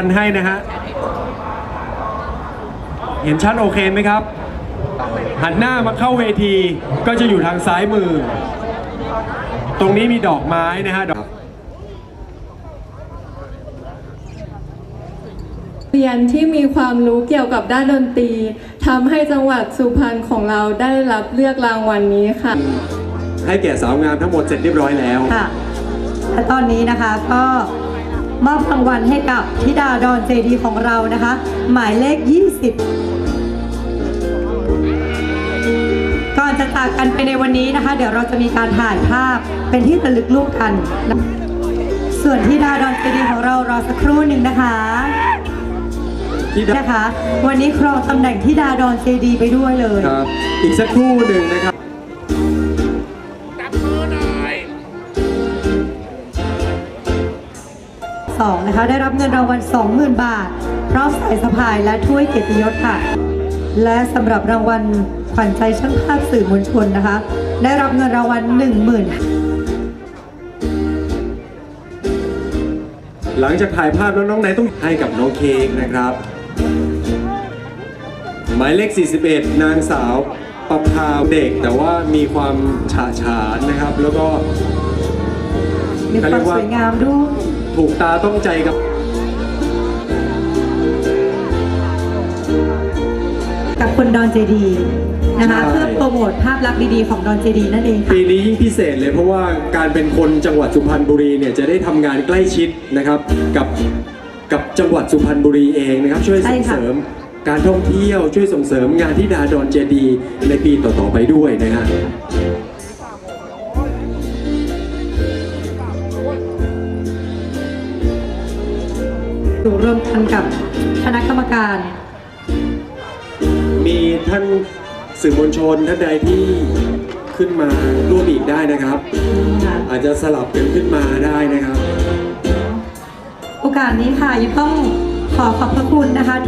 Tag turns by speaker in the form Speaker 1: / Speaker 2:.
Speaker 1: นให้นะฮะเห็นชัดโอเคไหมครับหันหน้ามาเข้าเวทีก็จะอยู่ทางซ้ายมือตรงนี้มีดอกไม้นะฮะ
Speaker 2: เรียนที่มีความรู้เกี่ยวกับด้านดนตรีทำให้จังหวัดสุพรรณของเราได้รับเลือกรางวัลนี้ค่ะ
Speaker 1: ให้แก่สาวงามทั้งหมดเสร็จเรียบร้อยแล้ว
Speaker 3: ค่ะและตอนนี้นะคะก็มอบรางวัลให้กับธิดาดอนเจดีของเรานะคะหมายเลข 20ก่อนจะจากกันไปในวันนี้นะคะเดี๋ยวเราจะมีการถ่ายภาพเป็นที่ระลึกรูปกันส่วนธิดาดอนเจดีของเรารอสักครู่หนึ่งนะคะวันนี้ครองตำแหน่งธิดาดอนเจดีไปด้วยเลย
Speaker 1: ครับอีกสักครู่หนึ่งนะครับ
Speaker 3: 2นะคะได้รับเงินรางวัล 20,000 บาทพร้อมสายสะพายและถ้วยเกียรติยศค่ะและสำหรับรางวัลขวัญใจช่างภาพสื่อมวลชนนะคะได้รับเงินรางวัล 10,000
Speaker 1: หลังจากถ่ายภาพแล้วน้องไหนต้องให้กับน้องเค้กนะครับหมายเลข 41 นางสาวประภาเด็กแต่ว่ามีความฉาฉานนะครับแล้วก็
Speaker 3: มีความสวยงามด้วย
Speaker 1: ถูกตาต้องใจ
Speaker 3: กับคนดอนเจดีนะคะเพื่อโปรโมทภาพลักษณ์ดีๆของดอนเจดีนั่นเองค่ะ
Speaker 1: ปีนี้ยิ่งพิเศษเลยเพราะว่าการเป็นคนจังหวัดสุพรรณบุรีเนี่ยจะได้ทำงานใกล้ชิดนะครับกับจังหวัดสุพรรณบุรีเองนะครับช่วยส่งเสริมการท่องเที่ยวช่วยส่งเสริมงานที่ดาดอนเจดีในปีต่อๆไปด้วยนะฮะ
Speaker 3: อยู่ร่วมกันกับคณะกรรมการ
Speaker 1: มีท่านสื่อมวลชนท่านใดที่ขึ้นมาร่วมอีกได้นะครับอาจจะสลับกันขึ้นมาได้นะครับ
Speaker 3: โอกาสนี้ค่ะยังต้องขอบพระคุณนะคะ